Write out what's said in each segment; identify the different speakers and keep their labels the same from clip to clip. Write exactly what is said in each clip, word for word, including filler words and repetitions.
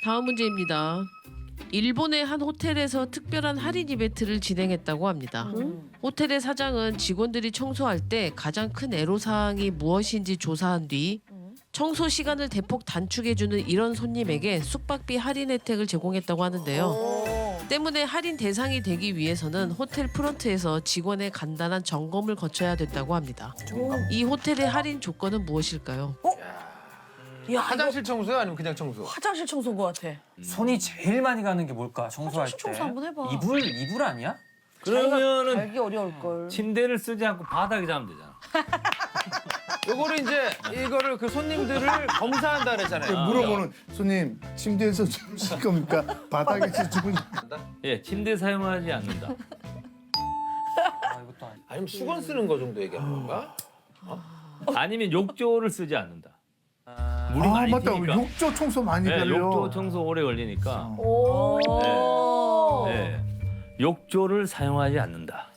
Speaker 1: 다음 문제입니다. 일본의 한 호텔에서 특별한 할인 이벤트를 진행했다고 합니다.
Speaker 2: 음.
Speaker 1: 호텔의 사장은 직원들이 청소할 때 가장 큰 애로사항이 무엇인지 조사한 뒤 청소 시간을 대폭 단축해주는 이런 손님에게 숙박비 할인 혜택을 제공했다고 하는데요. 때문에 할인 대상이 되기 위해서는 호텔 프런트에서 직원의 간단한 점검을 거쳐야 된다고 합니다. 이 호텔의 할인 조건은 무엇일까요?
Speaker 2: 야,
Speaker 3: 화장실 청소요? 아니면 그냥 청소?
Speaker 2: 화장실 청소인 것 같아.
Speaker 4: 손이 제일 많이 가는 게 뭘까? 청소할
Speaker 2: 화장실
Speaker 4: 때.
Speaker 2: 청소 한번 해봐.
Speaker 4: 이불 이불 아니야?
Speaker 5: 그러면은
Speaker 2: 알기 어려울 걸.
Speaker 5: 침대를 쓰지 않고 바닥에 자면 되잖아.
Speaker 3: 요거를 이제 이거를 그 손님들을 검사한다 그랬잖아요.
Speaker 6: 물어보는 손님 침대에서 주무실 겁니까? 바닥에서 주무실
Speaker 5: 예, 침대 사용하지 않는다.
Speaker 4: 아, 이것도 아니.
Speaker 3: 아니면 수건 쓰는 거 정도 얘기하는 건가?
Speaker 5: 아니면 욕조를 쓰지 않는다. 물이
Speaker 6: 아
Speaker 5: 많이
Speaker 6: 맞다.
Speaker 5: 튀니까.
Speaker 6: 욕조 청소 많이
Speaker 5: 네,
Speaker 6: 걸려.
Speaker 5: 욕조 청소 오래 걸리니까.
Speaker 2: 오.
Speaker 5: 네. 욕조를 사용하지 않는다.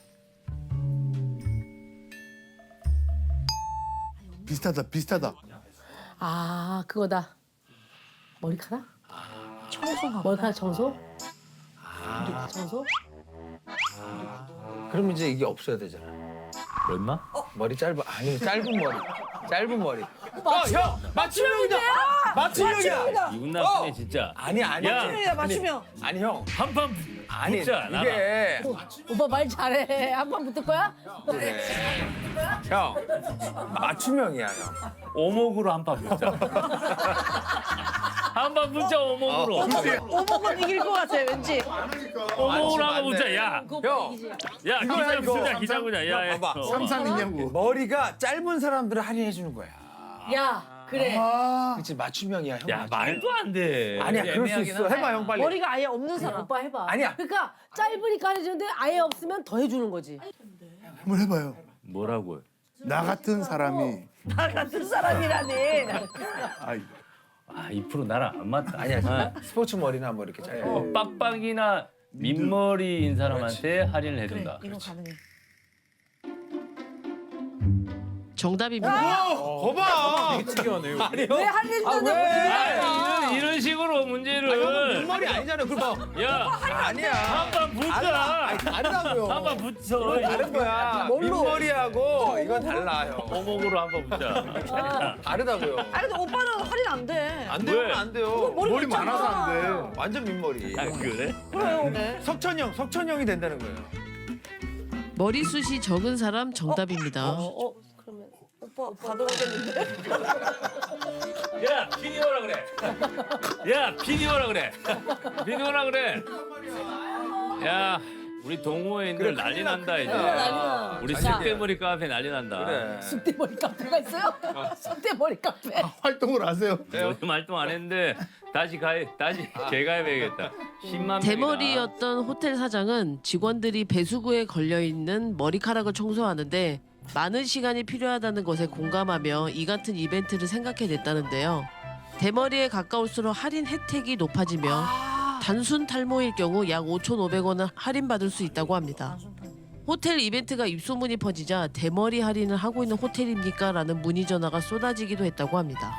Speaker 6: 비슷하다 비슷하다.
Speaker 7: 아 그거다. 머리카락?
Speaker 2: 청소가.
Speaker 7: 머리카락 청소? 머리카락 청소?
Speaker 3: 그럼 이제 이게 없어야 되잖아.
Speaker 5: 뭐 임마?
Speaker 3: 머리 짧아. 아니 짧은 머리. 짧은 머리. 어, 형! 맞춤형이다! 맞춤형이야!
Speaker 5: 이분 나쁘네 진짜.
Speaker 3: 아니 아니.
Speaker 5: 야.
Speaker 2: 맞춤이야, 맞춤형.
Speaker 3: 아니 형.
Speaker 5: 한판
Speaker 3: 아니
Speaker 5: 붙자, 나가.
Speaker 3: 이게
Speaker 7: 오빠 말 잘해. 한 번 붙을 거야?
Speaker 3: 그래. 형. 맞춤형이야 형.
Speaker 5: 오목으로 한 판 붙자. 한 판 붙자 오목으로.
Speaker 2: 오목은 이길 것 같아, 왠지.
Speaker 5: 오목으로
Speaker 3: 맞지,
Speaker 5: 한 판 붙자.
Speaker 3: 맞네.
Speaker 5: 야,
Speaker 3: 형.
Speaker 5: 야
Speaker 3: 이거야,
Speaker 5: 기자
Speaker 3: 이거.
Speaker 5: 붙자 기자 붙자. 야, 야.
Speaker 3: 봐봐.
Speaker 5: 어.
Speaker 6: 삼삼이냐고.
Speaker 3: 머리가 짧은 사람들을 할인해 주는 거야.
Speaker 7: 야 그래.
Speaker 6: 아
Speaker 3: 그렇지 맞춤형이야 형.
Speaker 5: 야
Speaker 3: 맞춤형.
Speaker 5: 말도 안 돼.
Speaker 3: 아니야 그럴 수
Speaker 5: 애매하긴
Speaker 3: 있어.
Speaker 5: 하다.
Speaker 3: 해봐 형 빨리.
Speaker 2: 머리가 아예 없는 사람.
Speaker 7: 오빠 해봐.
Speaker 3: 아니야.
Speaker 7: 그러니까 짧으니까 해주는데 아예 없으면 더 해주는 거지.
Speaker 6: 한번 해봐요.
Speaker 5: 뭐라고요?
Speaker 6: 나 같은 사람이
Speaker 2: 나 같은 사람이라니.
Speaker 6: 아이
Speaker 5: 아, 이 프로 나랑 안 맞다.
Speaker 3: 아니야
Speaker 5: 아,
Speaker 3: 스포츠 머리나 뭐 이렇게 짧아.
Speaker 5: 어, 빡빡이나 민머리인 사람한테 할인을 해준다.
Speaker 2: 이거 가능해.
Speaker 1: 정답입니다.
Speaker 3: 거봐. 되게 특이하네요.
Speaker 2: 왜 할인다는
Speaker 5: 아, 이런, 이런 식으로 문제를.
Speaker 3: 머리 아니잖아. 그럼
Speaker 5: 야,
Speaker 3: 아니야.
Speaker 5: 한판 붙자.
Speaker 3: 아니 다르다고요.
Speaker 5: 한판 붙여.
Speaker 3: 다른 거야. 민머리하고 이건 달라 형.
Speaker 5: 오목으로 한판 붙자.
Speaker 3: 다르다고요.
Speaker 2: 아니, 근데 오빠는 할인 안 돼.
Speaker 3: 안 돼요,
Speaker 5: 왜?
Speaker 3: 안 돼요.
Speaker 2: 머리,
Speaker 6: 머리
Speaker 2: 있잖아.
Speaker 6: 많아서 안 돼.
Speaker 3: 완전 민머리.
Speaker 5: 아, 그래?
Speaker 2: 그래요. 네.
Speaker 3: 석천형, 석천형이 된다는 거예요.
Speaker 1: 머리숱이 적은 사람 정답입니다.
Speaker 2: 어, 그러면 오빠 받아오겠는데?
Speaker 5: 야, 비디오라 그래. 야, 비디오라 그래. 비디오라 그래. 야, 우리 동호회인들
Speaker 3: 그래,
Speaker 5: 난리
Speaker 3: 큰일
Speaker 5: 난다 이제.
Speaker 7: 난리나.
Speaker 5: 우리
Speaker 7: 자.
Speaker 5: 쑥대머리 카페 난리 난다.
Speaker 3: 그래.
Speaker 7: 쑥대머리 카페가 있어요? 쑥대머리 카페.
Speaker 6: 활동을 하세요.
Speaker 5: 요즘 활동 안 했는데 다시 가입, 다시 재가입해야겠다. 십만 명이다.
Speaker 1: 대머리였던 호텔 사장은 직원들이 배수구에 걸려 있는 머리카락을 청소하는데 많은 시간이 필요하다는 것에 공감하며 이 같은 이벤트를 생각해냈다는데요. 대머리에 가까울수록 할인 혜택이 높아지며 단순 탈모일 경우 약 오천오백 원을 할인받을 수 있다고 합니다. 호텔 이벤트가 입소문이 퍼지자 대머리 할인을 하고 있는 호텔입니까? 라는 문의 전화가 쏟아지기도 했다고 합니다.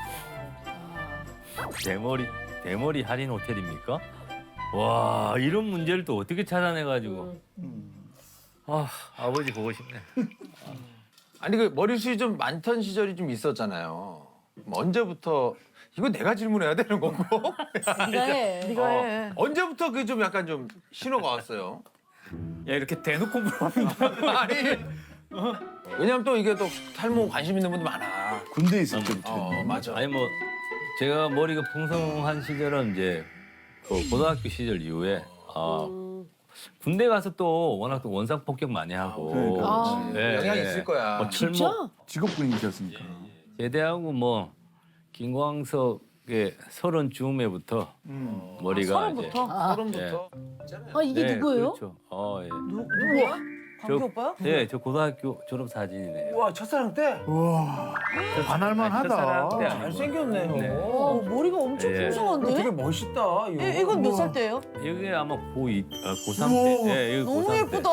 Speaker 5: 대머리 대머리 할인 호텔입니까? 와, 이런 문제를 또 어떻게 찾아내가지고. 아, 아버지 보고 싶네.
Speaker 3: 아니 그 머리숱이 좀 많던 시절이 좀 있었잖아요. 뭐 언제부터 이거 내가 질문해야 되는 거고?
Speaker 7: 네가 해.
Speaker 2: 네가 해.
Speaker 3: 언제부터 그 좀 약간 좀 신호가 왔어요?
Speaker 4: 야 이렇게 대놓고 물어보면
Speaker 3: 아니 왜냐면 또 이게 또 탈모 관심 있는 분들 많아.
Speaker 6: 군대 있을 때부터.
Speaker 3: 어 맞아.
Speaker 5: 아니 뭐 제가 머리가 풍성한 시절은 이제 그 고등학교 시절 이후에 아, 군대 가서 또 워낙 또 원상 폭격 많이 하고
Speaker 6: 그러니까.
Speaker 7: 아.
Speaker 5: 예,
Speaker 3: 영향이
Speaker 5: 예.
Speaker 3: 있을 거야.
Speaker 5: 뭐 철모
Speaker 7: 진짜?
Speaker 6: 직업군인이셨으니까.
Speaker 5: 제대하고 뭐 김광석의 서른 즈음에부터
Speaker 6: 음.
Speaker 5: 머리가 이제
Speaker 2: 서른부터?
Speaker 3: 서른부터.
Speaker 7: 아 이게
Speaker 5: 네,
Speaker 7: 누구예요?
Speaker 5: 그렇죠. 어, 예.
Speaker 2: 누구야? 광기
Speaker 5: 저-
Speaker 2: 오빠야?
Speaker 5: 네, 저 고등학교 졸업 사진이네요.
Speaker 3: 와 첫사랑 때
Speaker 6: 우와 반할만
Speaker 5: 첫사랑 때
Speaker 6: 하다.
Speaker 5: 아니고.
Speaker 3: 잘생겼네요.
Speaker 5: 네.
Speaker 2: 어, 머리가 엄청
Speaker 5: 예.
Speaker 2: 풍성한데?
Speaker 3: 되게 멋있다. 이거.
Speaker 2: 이, 이건 몇 살 때예요?
Speaker 5: 이게 아마 고이, 아, 고삼
Speaker 6: 우와.
Speaker 5: 때. 예, 이거
Speaker 2: 너무
Speaker 5: 고삼 때.
Speaker 2: 예쁘다.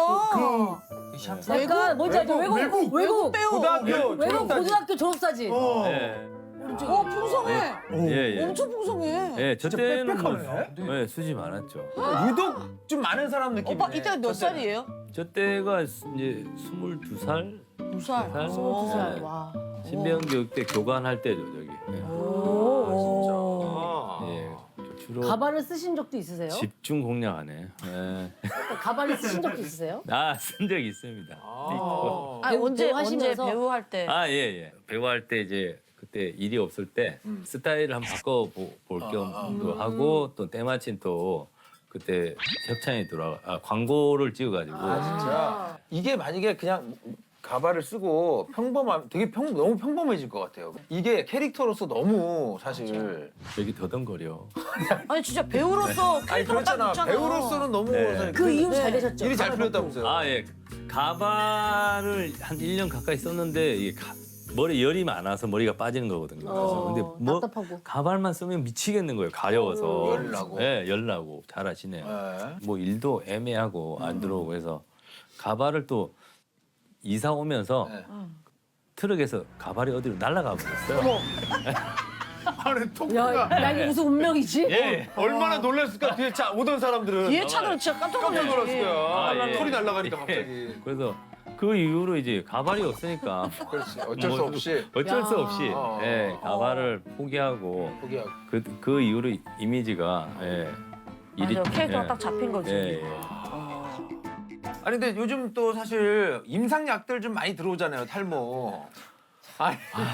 Speaker 7: 약간 뭔지 알죠? 외국 외국
Speaker 2: 외국 배우.
Speaker 3: 고등학교
Speaker 7: 외국
Speaker 3: 졸업사진.
Speaker 7: 고등학교 졸업사진.
Speaker 6: 어.
Speaker 5: 예.
Speaker 7: 갑자기.
Speaker 2: 어 풍성해.
Speaker 5: 예, 예.
Speaker 2: 엄청 풍성해.
Speaker 5: 예, 저 때는 뭐,
Speaker 3: 빽빽하네.
Speaker 5: 예, 수지 많았죠.
Speaker 3: 유독 좀 많은 사람 느낌이네.
Speaker 2: 오빠 이때가 몇 살이에요?
Speaker 5: 저 때가 이제 스물두 살,
Speaker 2: 두 살.
Speaker 5: 살?
Speaker 2: 스물두 살.
Speaker 5: 네.
Speaker 2: 와.
Speaker 5: 신병교육 때 교관할 때죠, 저기. 예.
Speaker 2: 오.
Speaker 5: 예, 주로
Speaker 7: 가발을 쓰신 적도 있으세요?
Speaker 5: 집중 공략하네. 예.
Speaker 7: 가발을 쓰신 적도 있으세요?
Speaker 5: 아, 쓴 적 있습니다. 있고.
Speaker 2: 아
Speaker 7: 배우-
Speaker 2: 언제
Speaker 7: 배우
Speaker 2: 언제
Speaker 7: 하시면서?
Speaker 2: 배우 할 때?
Speaker 5: 아, 예, 예. 배우할 때 이제 그때 일이 없을 때 스타일을 한번 바꿔볼 겸도 하고 또 때마침 또 그때 협찬이 들어와 아, 광고를 찍어가지고
Speaker 3: 진짜 이게 만약에 그냥 가발을 쓰고 평범한 되게 평 너무 평범해질 것 같아요. 이게 캐릭터로서 너무 사실
Speaker 5: 여기 더듬거려.
Speaker 2: 아니 진짜 배우로서
Speaker 3: 아니
Speaker 2: 캐릭터가 딱
Speaker 3: 그렇잖아.
Speaker 2: 있잖아.
Speaker 3: 배우로서는 너무
Speaker 5: 네.
Speaker 3: 사실
Speaker 7: 그 이후 잘
Speaker 2: 네.
Speaker 7: 되셨죠?
Speaker 3: 일이 잘 풀렸다면서요.
Speaker 5: 아, 예. 가발을 한 일 년 가까이 썼는데 이게 가, 머리 열이 많아서 머리가 빠지는 거거든요. 그래서 근데
Speaker 7: 어,
Speaker 5: 뭐
Speaker 7: 답답하고.
Speaker 5: 가발만 쓰면 미치겠는 거예요. 가려워서.
Speaker 3: 열 나고.
Speaker 5: 예, 열 나고. 잘하시네요.
Speaker 3: 네.
Speaker 5: 뭐 일도 애매하고 안 들어오고 해서 가발을 또 이사 오면서
Speaker 3: 네.
Speaker 5: 트럭에서 가발이 어디로 날아가 버렸어요.
Speaker 6: 안에
Speaker 7: 야,
Speaker 6: 통과가
Speaker 7: 야, 이게 무슨 운명이지?
Speaker 5: 예.
Speaker 3: 얼마나 놀랐을까 뒤에 차 오던 사람들은
Speaker 2: 뒤에 차들은 진짜 깜짝
Speaker 3: 깜짝
Speaker 2: 놀랐지.
Speaker 3: 놀랐을 거야.
Speaker 5: 아, 예.
Speaker 3: 털이 날아가니까
Speaker 5: 예.
Speaker 3: 갑자기.
Speaker 5: 그래서 그 이후로 이제 가발이 없으니까
Speaker 3: 그렇지. 어쩔 수
Speaker 5: 뭐,
Speaker 3: 없이
Speaker 5: 어쩔 수
Speaker 7: 야.
Speaker 5: 없이
Speaker 3: 어.
Speaker 5: 예, 가발을 포기하고
Speaker 3: 포기하고.
Speaker 5: 그, 그 이후로 이미지가 예,
Speaker 2: 맞아 캐릭터가
Speaker 5: 예,
Speaker 2: 딱 잡힌 거지.
Speaker 5: 예, 예.
Speaker 3: 아니 근데 요즘 또 사실 임상약들 좀 많이 들어오잖아요. 탈모. 아니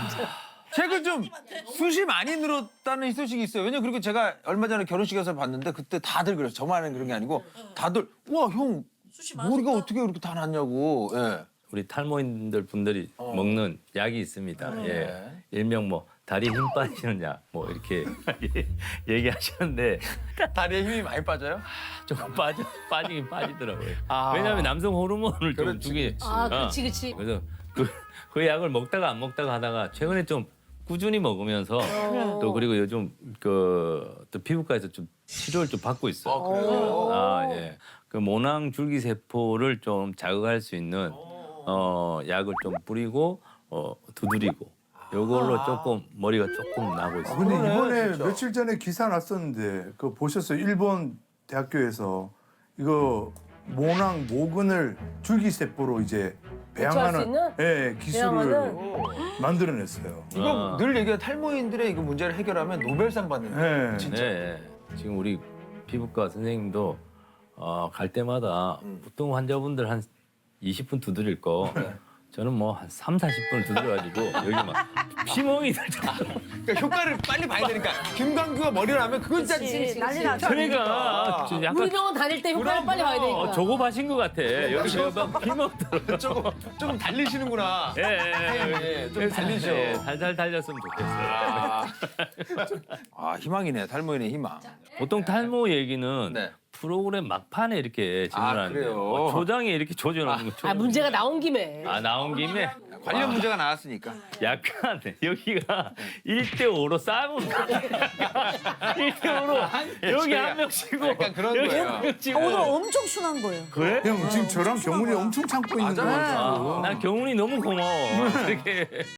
Speaker 3: 최근 좀 숱이 많이 늘었다는 소식이 있어요. 왜냐 그리고 제가 얼마 전에 결혼식에서 봤는데 그때 다들 그래서 저만은 그런 게 아니고 다들 우와 형 머리가 어떻게 그렇게 다 났냐고. 예.
Speaker 5: 우리 탈모인들 분들이
Speaker 3: 어.
Speaker 5: 먹는 약이 있습니다.
Speaker 3: 네.
Speaker 5: 예. 일명 뭐 다리 힘 빠지는 약 뭐 이렇게 얘기하셨는데
Speaker 3: 다리에 힘이 많이 빠져요?
Speaker 5: 조금 빠져 빠지긴 빠지더라고요.
Speaker 3: 아.
Speaker 5: 왜냐하면 남성 호르몬을 좀
Speaker 3: 그렇지,
Speaker 5: 주게.
Speaker 7: 아,
Speaker 5: 어.
Speaker 7: 그렇지, 그렇지.
Speaker 5: 그래서 그, 그 약을 먹다가 안 먹다가 하다가 최근에 좀 꾸준히 먹으면서
Speaker 7: 어.
Speaker 5: 또 그리고 요즘 그 또 피부과에서 좀 치료를 좀 받고 있어요.
Speaker 3: 아, 그래요?
Speaker 5: 아, 예. 그 모낭 줄기 세포를 좀 자극할 수 있는 어, 약을 좀 뿌리고 어, 두드리고 요걸로 조금 머리가 조금 나고
Speaker 6: 아,
Speaker 5: 있어요.
Speaker 6: 근데
Speaker 3: 그러네,
Speaker 6: 이번에
Speaker 3: 진짜.
Speaker 6: 며칠 전에 기사 났었는데 그거 보셨어요? 일본 대학교에서 이거 모낭 모근을 줄기세포로 이제
Speaker 7: 대처할 수
Speaker 6: 배양하는
Speaker 7: 있는?
Speaker 6: 예, 기술을
Speaker 7: 배양하는?
Speaker 6: 만들어냈어요.
Speaker 3: 이거
Speaker 5: 아.
Speaker 3: 늘 얘기하는 탈모인들의 이거 문제를 해결하면 노벨상 받는 거예요.
Speaker 6: 예.
Speaker 3: 진짜.
Speaker 5: 네, 지금 우리 피부과 선생님도 어, 갈 때마다
Speaker 3: 음.
Speaker 5: 보통 환자분들 한 이십 분 두드릴 거 저는 뭐 한 삼, 사십 분을 두드려가지고 여기 막 피멍이 들 정도로
Speaker 3: 그러니까 효과를 빨리 봐야 되니까 김광규가 머리를 하면 그건 진짜
Speaker 2: 그치, 난리 나죠.
Speaker 5: 그러니까 좀
Speaker 7: 우리
Speaker 5: 약간
Speaker 7: 병원 다닐 때 효과를
Speaker 3: 그럼,
Speaker 7: 빨리 봐야
Speaker 3: 그럼.
Speaker 7: 되니까.
Speaker 5: 어, 조급하신 것 같아. 여기 막 피멍 들어.
Speaker 3: 조금 조금 달리시는구나.
Speaker 5: 예, 예,
Speaker 3: 예, 좀 달리셔.
Speaker 5: 예, 살살 달렸으면 좋겠어요.
Speaker 3: 아, 아 희망이네 탈모인의 희망.
Speaker 5: 보통 탈모 얘기는
Speaker 3: 네.
Speaker 5: 프로그램 막판에 이렇게
Speaker 3: 아,
Speaker 5: 질문하는데
Speaker 3: 그래요?
Speaker 5: 어, 조장에 이렇게 조절하는 거.
Speaker 7: 아, 문제가 나온 김에.
Speaker 5: 아 나온 김에
Speaker 3: 관련 문제가 나왔으니까.
Speaker 5: 약간 여기가 일 대 오로 싸우고 일 대 오로 여기 한 명 치고
Speaker 3: 약간 그런
Speaker 5: 여기
Speaker 3: 거예요.
Speaker 5: 한 명 치고
Speaker 2: 오늘 엄청 순한 거예요.
Speaker 5: 그래?
Speaker 6: 형 지금 저랑 경훈이 엄청 참고 있는 거
Speaker 3: 맞아.
Speaker 6: 같아요.
Speaker 5: 난 경훈이 너무 고마워. 이렇게